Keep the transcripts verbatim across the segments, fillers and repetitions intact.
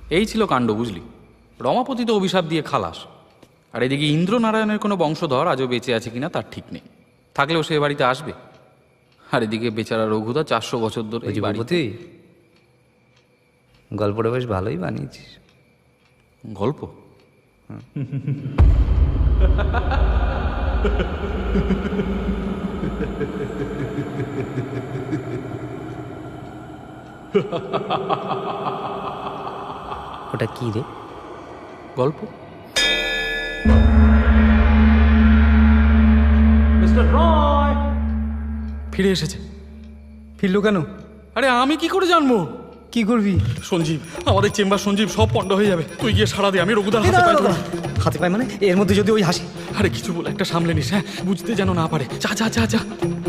এই ছিল কাণ্ড, বুঝলি। রমাপতি তো অভিশাপ দিয়ে খালাস, আর এদিকে ইন্দ্রনারায়ণের কোনো বংশধর আজও বেঁচে আছে কিনা তার ঠিক নেই। থাকলেও সে বাড়িতে আসবে। আর এদিকে বেচারা রঘুদা চারশো বছর ধরে এই বাড়িতে। গল্পটা বেশ ভালোই বানিয়েছিস। গল্প? ওটা কি রে? গল্প? মিস্টার রয় ফিরে এসেছে। ফিরলো কেন? আরে আমি কি করে জানবো? কি করবি? সঞ্জীব, আমাদের চেম্বার সঞ্জীব সব পণ্ড হয়ে যাবে। তুই গিয়ে সারা দে, আমি রঘুদার হাতে পাই ধরবো। হাতে পায় মানে? এর মধ্যে যদি ওই হাসি। আরে কিছু বলে একটা সামলে নিস, হ্যাঁ, বুঝতে যেন না পারে। যা যা যা যা।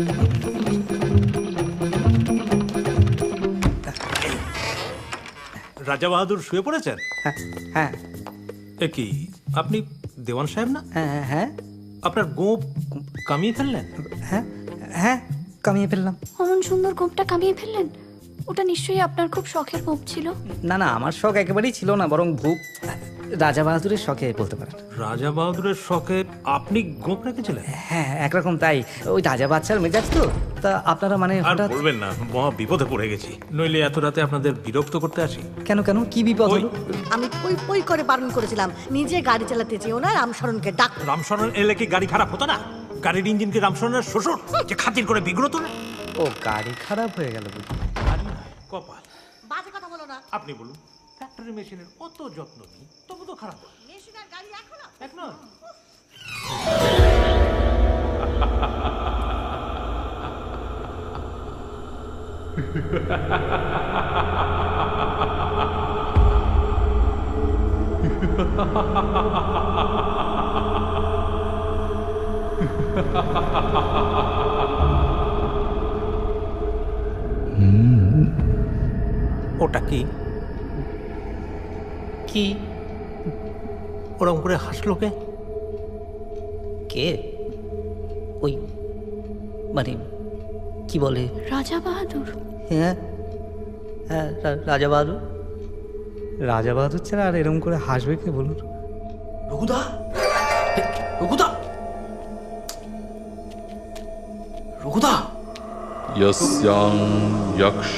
রাজা বাহাদুর শুয়ে পড়েছেন? হ্যাঁ হ্যাঁ এ কি, আপনি দেওয়ান সাহেব না? হ্যাঁ হ্যাঁ আপনার গোপ কামিয়ে ফেললেন? হ্যাঁ হ্যাঁ কামিয়ে ফেললাম। অমন সুন্দর গোপটা কামিয়ে ফেললেন? ওটা নিশ্চয়ই আপনার খুব শখের গোপ ছিল। না না, আমার শখ একেবারেই ছিল না, বরং ভূপ রাজা বাহাদুরের শখে বলতে পারেন। রাজা বাহাদুরের শখে আপনি গোপ রেখেছিলেন? হ্যাঁ একরকম তাই। ওই রাজা বাচ্চার মেজাজ তো, তা আপনারা মানে আর হঠাৎ। বলবেন না, মহা বিপদে পড়ে গেছি। নইলে এত রাতে আপনাদের বিরক্ত করতে আসি। কেন কেন, কি বিপদ হলো? আমি পই পই করে বারণ করেছিলাম নিজে গাড়ি চালাতে চেয়েও না, রামশরণকে ডাক। রামশরণ এলে কি গাড়ি খারাপ হতো না? গাড়ির ইঞ্জিন কি রামশরণের শ্বশুর যে খাতির করে বিগ্রত না? ও গাড়ি খারাপ হয়ে গেল বুঝি? গাড়ি নয়, কপাল। বাজে কথা বলো না। আপনি বলুন, ফ্যাক্টরি মেশিনের অত যত্ন নিই, তবু তো খারাপ হয়। মেশিন আর গাড়ি এখন এক নয়। ওটা কি? কি? ওরকম করে হাসলো কে? কে? ওই মানে কি বলে? রাজা বাহাদুর। হ্যাঁ হ্যাঁ রা- রাজা বাহাদুর। রাজা বাহাদুর ছাড়া আর এরকম করে হাসবে কে বলুন? রঘুদা, রঘুদা, রঘুদা। यस्यां यक्ष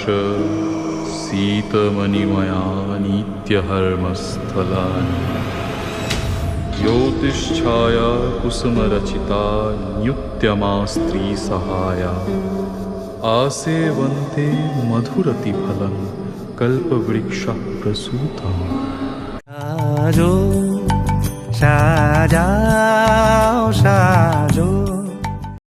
सीतमणिमया नित्यहर्मस्थलानि ज्योतिष्छाया कुसुमरचिता न्युत्यमा स्त्रीसहाया आसेवन्ते मधुरतिफलं कल्पवृक्षः प्रसूतम्। সাজাও সাজাও